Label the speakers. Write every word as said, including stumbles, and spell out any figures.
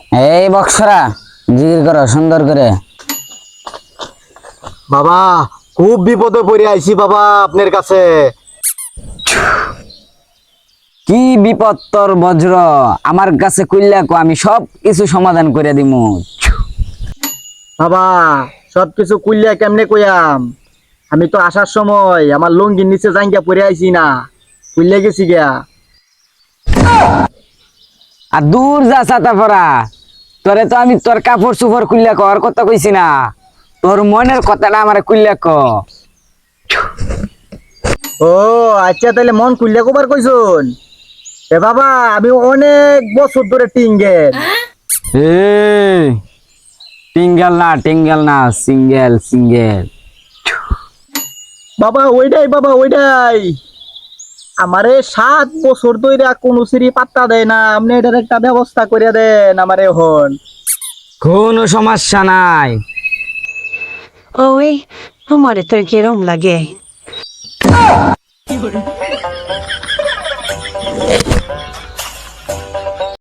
Speaker 1: এই বক্সরা জিগির করো সুন্দর করে।
Speaker 2: বাবা খুব বিপদে পড়ে আইছি বাবা আপনার কাছে।
Speaker 1: কি বিপদ তোর বজ্র? আমার কাছে কইলা কো, আমি সব কিছু সমাধান করে দিমু।
Speaker 2: বাবা সবকিছু কুইল্লা কেমনে কইয়াম, আমি তো আসার সময় আমার লুঙ্গির নিচে জাঙ্গিয়া পড়ে আইছি না, কুইল্লা গেছি গিয়া।
Speaker 1: আর দূর যা ছাতা পরা, তোরে তো আমি তোর কাপড় চুপড় খুললা কর কথা কইছি না, তোর মনের কথাটা আমার খুললা ক।
Speaker 2: ও আচ্ছা, তাহলে মন কুইল্লা কবার কইছুন। এ বাবা আমি অনেক বছর ধরে টিঙ্গেল।
Speaker 1: এই টিঙ্গেল না টিঙ্গেল না, সিঙ্গেল সিঙ্গেল।
Speaker 2: বাবা ওইটাই বাবা ওইটাই, আমারে সাত বছর ধরে কোনো সিঁড়ি পাত্তা দেয় না, আপনি এটার একটা ব্যবস্থা করে দেন আমারে হন।
Speaker 1: কোনো সমস্যা নাই।
Speaker 3: Oi, amore, te quiero un lague.